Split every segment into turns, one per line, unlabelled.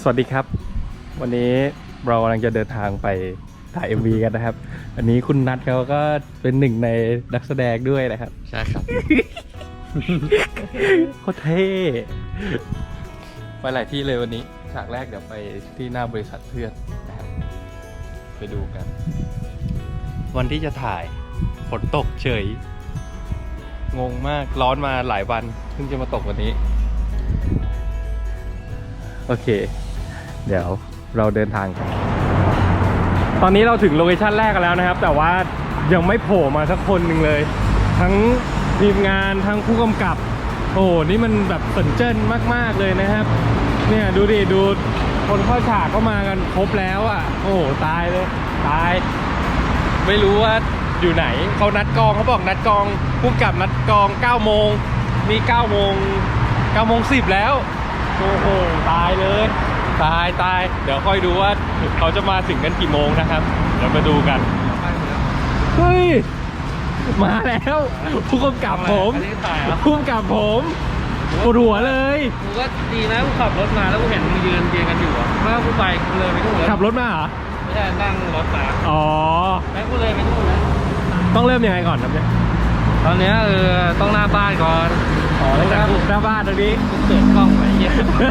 วัสดีครับวันนี้เรากำลังจะเดินทางไปถ่าย MV กันนะครับอันนี้คุณนัทเขาก็เป็นหนึ่งในนักแสดงด้วยนะครับ
ใช่ครับ
โคตรเท่ไปหลายที่เลยวันนี้ฉากแรกเดี๋ยวไปที่หน้าบริษัทเพื่อนนะครับไปดูกัน วันที่จะถ่ายฝนตกเฉยงงมากร้อนมาหลายวันเพิ่งจะมาตกวันนี้โอเคเดี๋ยวเราเดินทางกันตอนนี้เราถึงโลเคชั่นแรกกันแล้วนะครับแต่ว่ายังไม่โผล่มาสักคนหนึ่งเลยทั้งทีมงานทั้งผู้กำกับโอ้โหนี่มันแบบสนเจิ้นมากๆเลยนะครับเนี่ยดูดิดูคนเข้าฉากเข้ามากันครบแล้วอ่ะโอ้โหตายเลยตายไม่รู้ว่าอยู่ไหนเขานัดกองเขาบอกนัดกองผู้กำกับนัดกอง9โมงมี9โมง10แล้วโอ้โหตายเลยตายเดี๋ยวค่อยดูว่าเขาจะมาถึงกันกี่โมงนะครับเดี๋ยวมาดูกันเฮ้ยมาแล้วผู้กำกับผมผู้กำกับผมปวดหัวเลย
กูก็ดีนะกูขับรถมาแล้วกูเห็นมึงยืนกันอยู่อ่ะถ้ากูไปกูเลยไปนู่นแล้ว
ขับรถมาเหรอ
ไม่ใช่นั่งรถมา
อ๋อ
แม่กูเลยไปนู่นแล้ว
ต้องเริ่มยังไงก่อนครับเนี่ย
ตอนเนี้ยต้องหน้าบ้านก่อน
อ๋อต้องหน้าบ้านตรงนี้
กูเปิดกล้องไว้เหี้ย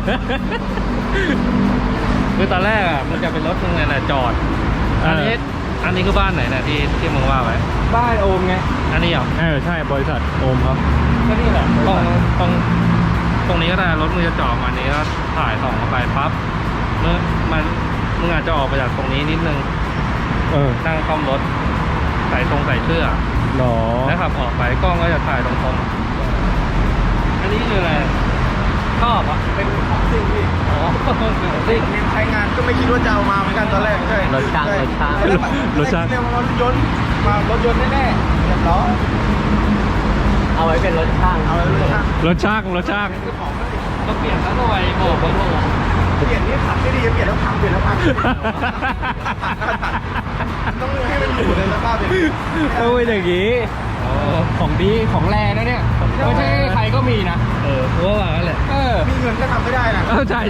คือตอนแรกอ่ะมันจะเป็นรถมึงไงน่ะจอดอันนี้คือบ้านไหนนะที่มึงว่าไว้
บ้านโอมไง
อันนี้เหรอ
ใช่บริษัทโอมครับ
ก็นี่แหละตรงนี้ก็ได้รถมึงจะจอดมานี้แล้วถ่ายส่องเข้าไปปั๊บมึงอาจจะออกไปจากตรงนี้นิดนึงนั่งคล่อมรถใส่เสื้อ
หรอ
แล้วขับออกไปกล้องก็จะถ่ายตรงๆอันนี้คืออะไรชอบอ่ะเป็นของซิ่งพี่อ๋อซิ่ง
ใช้งานก็ไม่คิดว่าจะเอามาเหมือนกันตอนแรกใช่
รถช่าง
เรียกว่ารถยนต์แน่ๆเรียบร้อย
เอาไว้เป็นรถช่าง
เอาไว้เป็นรถช่าง
ก็เปลี่ยนซะหน่อยบอกเขาบอก
เปลี่ยนนี่ขับไม่ดีเปลี่ยนแล้วพังต้องให้มันอยู่ในสภาพอย่างนี้
ต้องเป็นอย่างนี้ของดีของแรงนะเนี่ยไม่ใช่ใครก็มีนะ
เพราะว่าอะไร
มีเงินก็ทำไม่ได้นะ
ใช่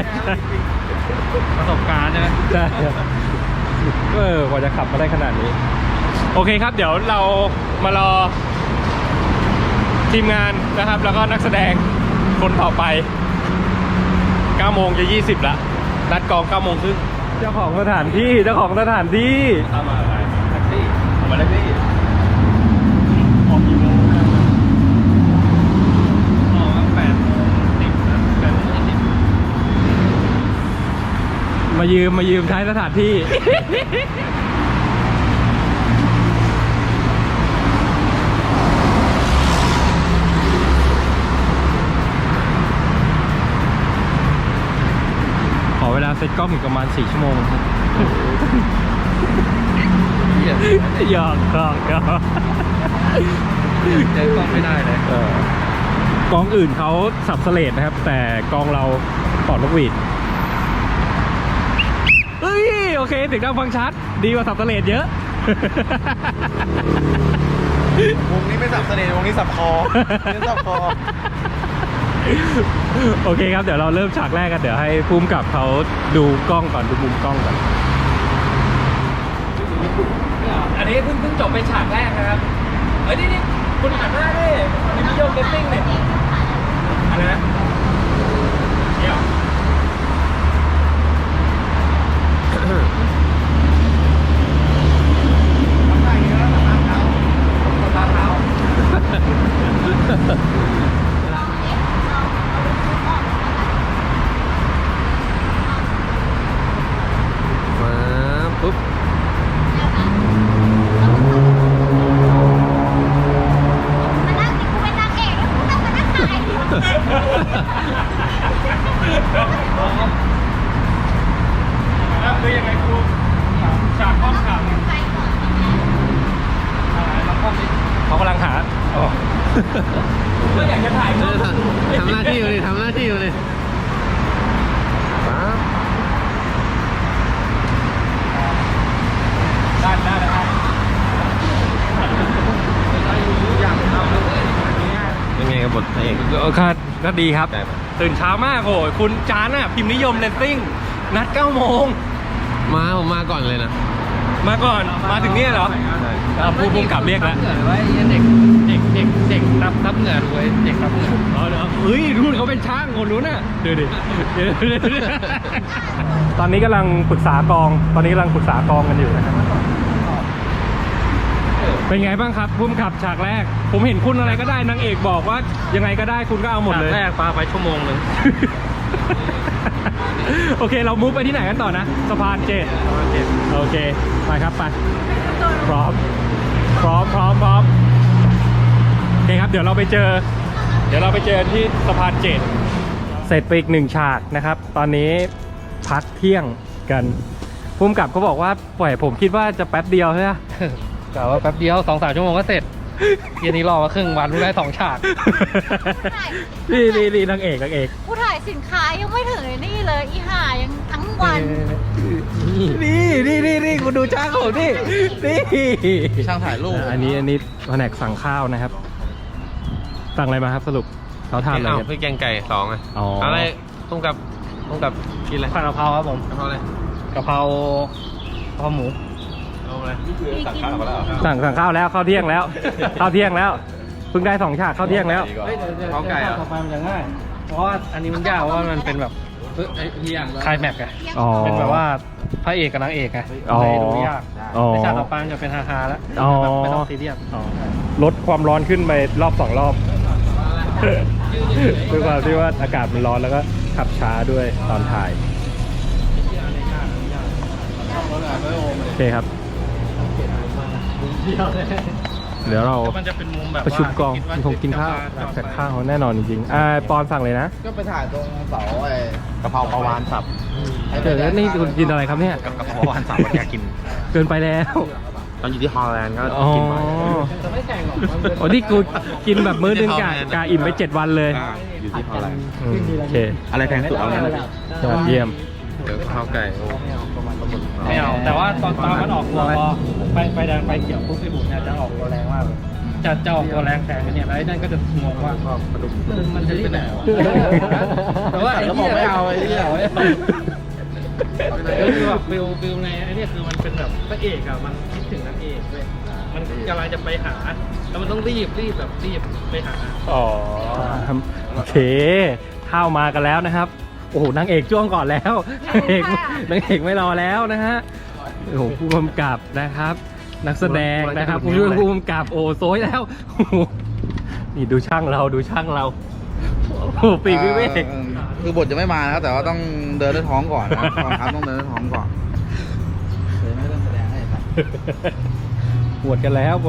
ประสบการณ์ใช่ไหม
ใช่กว่าจะขับมาได้ขนาดนี้โอเคครับเดี๋ยวเรามารอทีมงานนะครับแล้วก็นักแสดงคนต่อไป9โมงจะ20ละนัดกอง9โมงครึ่งเจ้าของสถานที่ทำอะไรแท็กซี่มาแท็กซี่ออกกี่โมง
ออก8:10นะ
8:20มายืมใช้สถานที่ขอเวลาเซตกล้องอีกประมาณ4 ชั่วโมงครับหยอก
ใจกล้องไม่ได้เลย
กองอื่นเขาสับเสลดนะครับแต่กองเราปลอดนกหวีดเฮ้ยโอเคถึงดังฟังชัดดีกว่าสับเสลดเยอะ
วงนี้ไม่สับเสน่ห์วงนี้สับคอ
โอเคครับเดี๋ยวเราเริ่มฉากแรกกันเดี๋ยวให้ภูมิกับเขาดูกล้องก่อนดูมุมกล้องก่อนอันนี้เพิ่งจบไปฉากแรกนะครับนี่คุณหันหน้าดิมีวิดีโอเกตติ้งเนี่ยอะไรนะเนี่ยปุ๊บคือยังไงครูฉากข้อมข่าวเขากำลังหาก็อยากจะถ่าย
ทำหน้าที่อยู่เลย
ได้
ยังไงครับบทพระเอก
ก็ดีครับ
ใช่ไหม
ตื่นเช้ามากโหคุณจานอ่ะพิมพ์นิยมเลนซิ่งนัด 9 โมง
ผมมาก่อนเลยนะ
มาก่อนมาถึงนี่เหรอผู้กำกับเรียกแล้ว
เหงื่อไว้เด็กรับเหงื่อด้วยเด็กรับเหงื่อ
อ๋อเดี๋ยวเฮ้ยรุ่นเขาเป็นช่างคนนู้นน่ะเดี๋ยวดิตอนนี้กำลังปรึกษากองกันอยู่นะครับเป็นไงบ้างครับพุ่มขับฉากแรก ผมเห็นคุณอะไรก็ได้นางเอกบอกว่ายังไงก็ได้คุณก็เอาหมดเลย
แรกปาไปชั่วโมงนึง
โอเคเรามุฟไปที่ไหนกันต่อนะสะพานเจ็ดโอเคไปครับไปพร้อมโอเคครับเดี๋ยวเราไปเจอที่สะพานเจ็ดเสร็จไปอีก1ฉากนะครับ ตอนนี้พักเที่ยงกันพุ่มกับเขาบอกว่าปล่อยผมคิดว่าจะแป๊บเดียวใช่ไหม
กะว่าแป๊บเดียว 2-3 ชั่วโมงก็เสร็จ เย็นนี้รอมาครึ่งวันเพิ่งได้2ฉาก
นี่นางเอก
ผู้ถ่ายสินค้ายังไม่ถึงนี่เลยอีห่ายังทั้งวัน
นี่คุณดูช่างผมนี่
ช่างถ่ายรูป
อันนี้แผนกสั่งข้าวนะครับสั่งอะไรมาครับสรุปเขาทานอะไรกัน
พี่แกงไก่2อ่ะ
อ๋อ
อะไรต้องกับกินอะไร
ผัดกะเพราครับผม
กะเพราอะไร
กะเพราหมู
เอาอะไร
สั่งข้าวมาแล้ว
สั่งข้าวแล้วข้าวเที่ยงแล้วเพิ่งได้2ฉากข้าวเที่ยงแล้ว
เขาไก่อ่ะ
ต่อไปมันจะง่าย เพราะว่าอันนี้มันยากเพราะว่ามันเป็นแบบคลายแม็กซ์ไง
อ๋อ
เป็นแบบว่าพระเอกกับนางเอกไง
อ๋อ
เลยดูยาก
อ๋อ
ในฉากต่อไปมันจะเป็นฮาๆแล้ว
อ๋อ
แบบไม่ต้องซีเรียส
ลดความร้อนขึ้นไปรอบ2 รอบด้วยความที่ว่าอากาศมันร้อนแล้วก็ขับช้าด้วยตอนถ่ายโอเคครับ เดี๋ยวเรา
มันจะเป็นมุมแบบ
ประชุมกอง
ว่า
คงกินข้าวจัดข้าวแน่นอนจริงๆปอนสั่งเลยนะ
ก็ไปถ่ายตรงเสาไอ้กะเพราปลาวานสับ
เจอแล้วนี่คุณกินอะไรครับเนี่ย
กับกะเพราปลาวานสับอยากกิน
เกินไปแล้ว
ตอนอยู่ที่ฮอลแลนด์ก็
อ๋อ
กินบ่อย
จะไม่แข่งหรอก
อ๋อนี่กูกินแบบมื้อนึงกะอิ่มไป7 วันเลย
อยู่ที่ฮอลแลนด์
โอเค
อะไรแพงสุดเอาเนี่ย
ยอดเยี่ยม
เดี๋ยวข้าวไก่โอ้
ไม่เอาแต่ว่าตอนมันออกตัวพอไปแดงไปเขียวปุ๊บพี่บุญเนี่ยจะออกตัวแรงมากเลยจะออกตัวแรงแซงไปเนี่ยแล้วไอ้นั่นก็จะงงว่ามันจะรีบไหนวะแต่ว่าไอ้เหี้ยไม่เอาไอ้เหี้ยคือแบบฟิลในไอ้เนี่ยคือมันเป็นแบบพระเอกอะมันคิดถึงนางเอกเลยมันกำลังจะไปหาแล้วมันต้องรีบไปหา
อ๋อโอเคข้าวมากันแล้วนะครับโอ้โหนางเอกจ้วงก่อนแล้วนางเอกไม่รอแล้วนะฮะโอ้โหผู้กำกับนะครับ นักแสดงนะครับผู้ช่วยผู้กำกับโอ้โซยแล้วโอ้โหนี่ดูช่างเราโอ้โหปีกวิเวก
คือบทจะไม่มานะครับแต่ว่าต้องเดินด้วยท้องก่อนนะตอนครับต้องเดินด้วยท้องก่อนเลยไม่เริ่มแสดงให้ครับ
ปวดกันแล้ว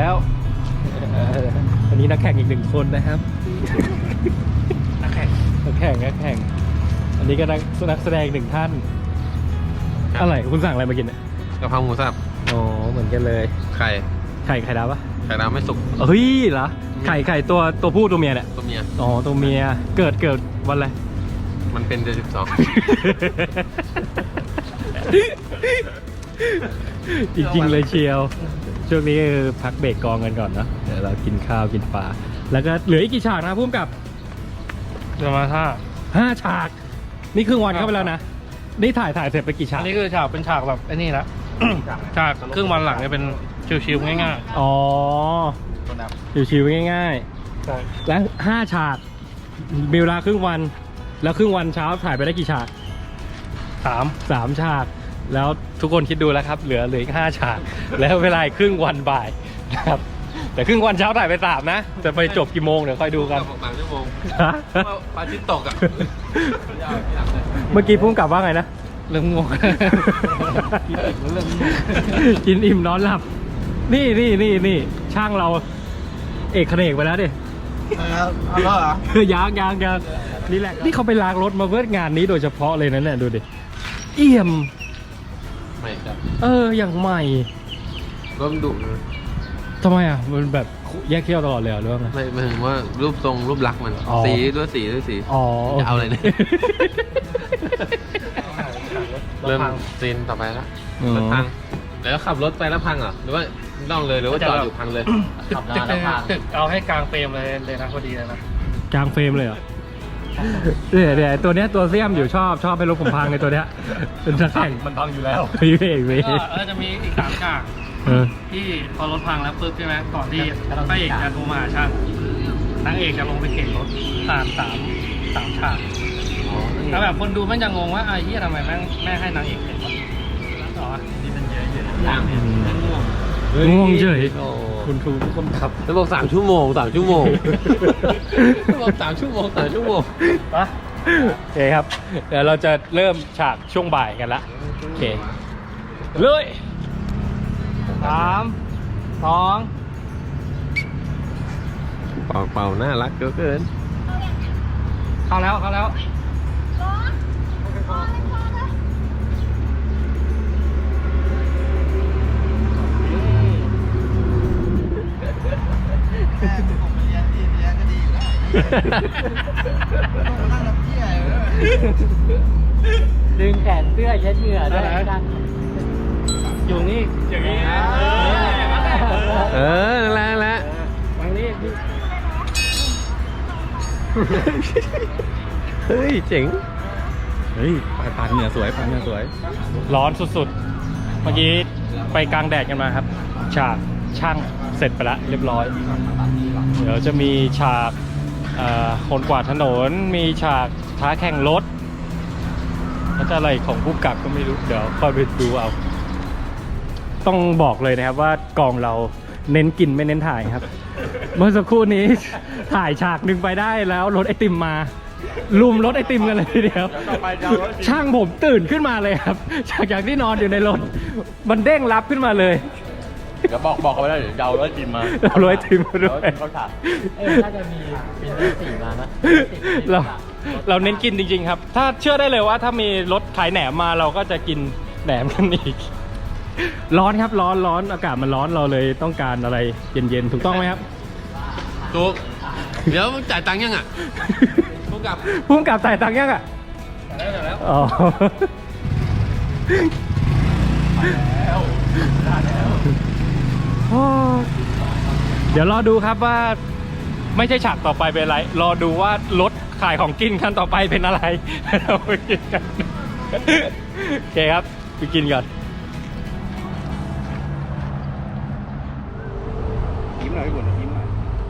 อันนี้นักแข่งอีก1 คนนะครับนักแข่งอันนี้ก็นักแสดง1 ท่านอะไรคุณสั่งอะไรมากินเนี่ย
กะเพราหมูสับ
อ๋อเหมือนกันเลย
ไข่
ไข่ดาวปะ
ไข่น้ำไม่สุก
เฮ้ยเหรอไข่ตัวผู้ตัวเมียเนี่ย
ตัวเมีย
อ๋อตัวเมียเกิดวันอะไร
มันเป็นเดือน12
จริงๆเลยเชียวช่วงนี้คือพักเบรกกองกันก่อนเนอะเดี๋ยวเรากินข้าวกินปลาแล้วก็เหลืออีกกี่ฉากนะพุ่มกับ
เดี๋ยวมาท่า
5 ฉาก นี่ครึ่งวันเข้าไปแล้วนะนี่ถ่ายเสร็จไปกี่ฉา
อั
ก
นนี้คือฉากเป็นฉากแบบไอ้นี่ละ ฉากครึ่งวันหลังเนี่ยเป็นชิวๆง่าย
อ๋อชิวๆง่าย
ๆใช่
ๆแล้ว5 ฉากมีเวลาครึ่งวัน แล้วครึ่งวันเช้าถ่ายไปได้กี่ฉาก 3 ฉาก แล้วทุกคนคิดดูแล้วครับเหลืออีก5 ฉาก แล้วเวลาอีกครึ่งวันบ่ายนะครับแต่ครึ่งวันเช้าถ่ายไป3นะจะไปจบกี่โมงเดี๋ยวค่อยดูกัน
3 ชั่วโมง
ฮะ
ปลาชิ้นตกอ่ะ
เมื่อกี้พุ่งกลับว่าไงนะ
เริ่มงง
กินอิ่มนอนหลับ นี่ช่างเราเอกเขนกไปแล้วดิ
เอาแล้วเหรอ
ยังนี่แหละนี่เขาไปล้างรถมาเพื่องานนี้โดยเฉพาะเลยนะเนี่ยดูดิเอี่ยม
ไม่ครับ
อย่างใหม่
ร่มดุ
ทำไมอ่ะมันแบบแยกเขี้ยวตลอดเลยเหรอหรือว่าไง
ไม่หมายถึงว่ารูปทรงรูปลักษณ์มัน
อ๋อ
สีด้วยสี
อ๋อ
จะเอาอะไรเนี่ย เริ่มซีนต่อไปแล้ว
อืม
รถพังแล้วขับรถไปแล้วพังเหรอหรือว่าต้องเลยหรือว่าจอดอยู่พังเลย
เอาให้กลางเฟรมเลยนะพอดีเลยนะ
กลางเฟรมเลยเหรอเดี๋ยวตัวเนี้ยตัวเสี้ยมอยู่ชอบให้รถผมพังในตัวเนี้ยเป็นนักแข่งมันพังอยู่แล้วพี่เอกพี่
ก็จะมีอีก3ฉากที่พอรถพังแล้วปุ๊บใช่ไหมก่อนที่พระเอกจะโทรมาหาช่างนางเอกจะลงไปเข็นรถผ่านสามฉากแล้วแบบคนดูแม่งจะงงว่าไอ้ที่ทำไมแม่งให้นางเอกเข็นวะต่อนี่มันเยอะอยู่นะ
ง่วงเฉย
คุณครูคนขับแล้วบอก3 ชั่วโมง3 ชั่วโมงบอก3 ชั่วโมง3 ชั่วโมง
ปะโอเคครับเดี๋ยวเราจะเริ่มฉากช่วงบ่ายกันละโอเคเลย
3 2
เป่าน่ารักเกิน
เข้าแล้ว
ดึงแขนเสื้อเช็ดเหงื่อด้วยกัน
อยู่นี่อย่างนี้
นั่นแหละ
ฝั่งนี้
เฮ้ยเจ๋ง
เฮ้ยปาดเหงื่อสวย
ร้อนสุดๆเมื่อกี้ไปกลางแดดกันมาครับฉากช่างเสร็จไปแล้วเรียบร้อยเดี๋ยวจะมีฉากคนกวาดถนนมีฉากท้าแข่งรถแล้วจะอะไรของผู้กำกับก็ไม่รู้เดี๋ยวค่อยไปดูเอาต้องบอกเลยนะครับว่ากองเราเน้นกินไม่เน้นถ่ายครับเมื่อสักครู่นี้ถ่ายฉากหนึ่งไปได้แล้วรถไอติมมาลุมรถไอติมกันเลยทีเดียวช่างผมตื่นขึ้นมาเลยครับจากที่นอนอยู่ในรถมันเด้งรับขึ้นมาเลย
เดี๋ยวบอกเขาไปแล้วเดี๋ยวเอารถไอติมมา
เอารถไอติมมาด้วย
น่าจะมี4มานะ
เราเน้นกินจริงๆครับถ้าเชื่อได้เลยว่าถ้ามีรถขายแหนมมาเราก็จะกินแหนมกันอีกร้อนครับร้อนอากาศมันร้อนเราเลยต้องการอะไรเย็นๆถูกต้องไหมครับ
ถูกเดี๋ยวจ่ายตังค์ยังอ่ะพุ่ง
กลับจ่ายตังค์ยังอ่ะ
แล้ว
อ๋อเดี๋ยวรอดูครับว่าไม่ใช่ฉากต่อไปเป็นอะไรรอดูว่ารถขายของกินคันต่อไปเป็นอะไรเราไปกินกันโอเคครับไปกินก่อน
ยิ้มหน่อยพี่บุญยิ้มหน่อย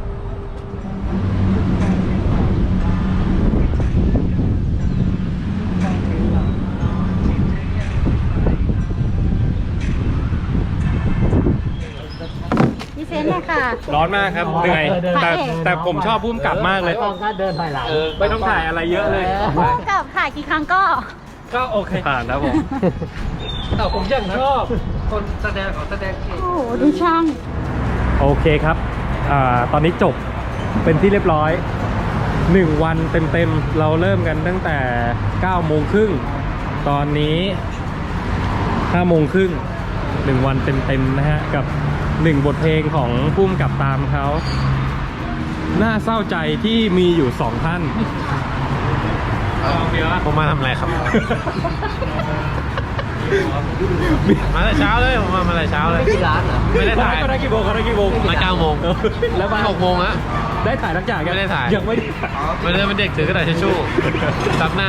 พี่เซนเลยค่ะ
ร้อนมากครับเหนื่อยแต่ผมชอบพุ่มกลับมากเลย
ก็เดินถอยหลัง
ไม่ต้องถ่ายอะไรเยอะเลย
พุ่งกับถ่ายกี่ครั้งก็
โอเคผ่านแล้วผม
แต่ผมยังชอบคนแสดงเก่ง
โอ้โหดูช่าง
โอเคครับตอนนี้จบเป็นที่เรียบร้อย1 วันเต็มๆเราเริ่มกันตั้งแต่9 โมงครึ่งตอนนี้5 โมงครึ่ง1 วันเต็มๆนะฮะกับ1 บทเพลงของพุ่มกับตามเขาน่าเศร้าใจที่มีอยู่2 ท่าน
ผมมาทำอะไรครับ มาแต่เช้าเลยผมมาแต่เช้าเลย
ที่ร้านเหรอ
ไม่ได้ถ่าย
ก็ได้กี่โมง
มา9 โมง
แล้วมา
6 โมงอะ
ได้ถ่ายทั้งอย่าง
ไม่ได้ถ่าย
ยังไม่ได้
ไม่ได้เป็นเด็กถือกระดาษทิชชู่ซับหน้า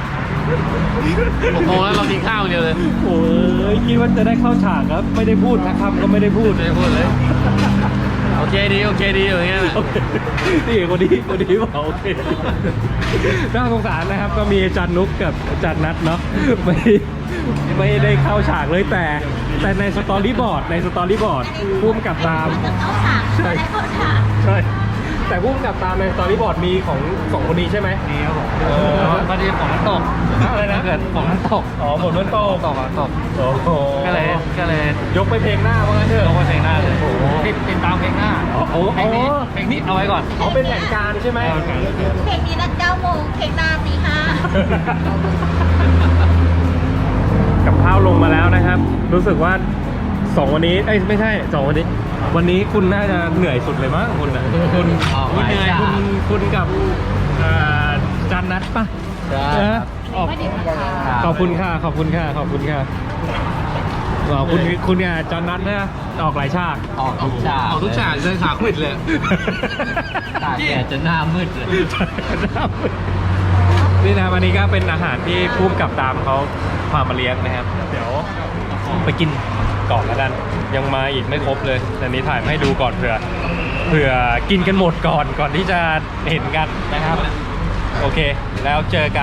6 โมงแล้วเรากินข้าวเดียวเลย
โอ้ยคิดว่าจะได้เข้าฉากครับไม่ได้พูดสักคำก็ไม่ได้พูด
เลยโอเคดีอย่างเงี้ย
นี่คนนี้บอกโอเคน่าสงสารนะครับก็มีอาจารย์นุ๊กกับอาจารย์นัทเนาะไม่ได้เข้าฉากเลยแต่ในสตอรี่บอร์ดพุ่มกับตาม
เข้าฉากใ
ช่แต่พุ่มกับตามในสตอรี่บอร์ดมีของ2 คนนี้ใช่ไหม
มีครับผมพอดีฝนมันตก
อะไรนะ
เกิดฝนมันตก
ฝนมันตกโอ้โห
ก็เลย
ยกไปเพลงหน้าว่างั้นเถอะ
ยกไปเพลงหน้าเลยติดตามเพลงหน้าเพลงนี้เอาไว้ก่อน
เป็นแผนการใช่ไหม
เพลงนี้นัด9 โมงเพลงหน้าตี 5
กับข้าวลงมาแล้วนะครับรู้สึกว่า2 วันนี้ไม่ใช่2 วันนี้วันนี้คุณน่าจะเหนื่อยสุดเลยมั้งคุณเหนื่อยคุณกับจันนัทป่ะขอบคุณค่ะอ๋อคุณเนี่ยจอห์นนัทเนี่ยออกหลายฉาก
ออกทุกฉาก
เอาทุกฉากเลยขาขวิดเลย
ตากแดดจนหน้ามืดเลย
นี่นะครับอันนี้ก็เป็นอาหารที่พุ่มกับตามเขาพามาเลี้ยงนะครับ เดี๋ยวไปกินก่อนแล้วกันยังมาอีกไม่ครบเลยแต่นี้ถ่ายมาให้ดูก่อนเผื่อกินกันหมดก่อนที่จะเห็นกันนะครับ โอเคแล้วเจอกัน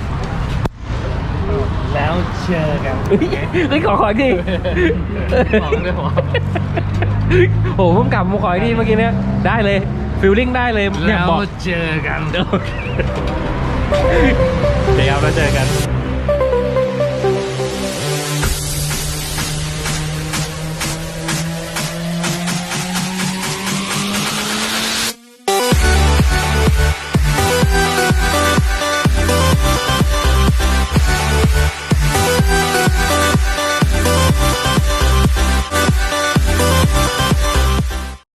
แล้วเจอกันเฮ้ยขออีกที
บอกเลยผม
โอ้โหพุ่มกับผมขออีกทีเมื่อกี้เนี้ยได้เลยฟิลลิ่งได้เลยอยากบอก
เจอกัน
เดี๋ยวเราเจอกัน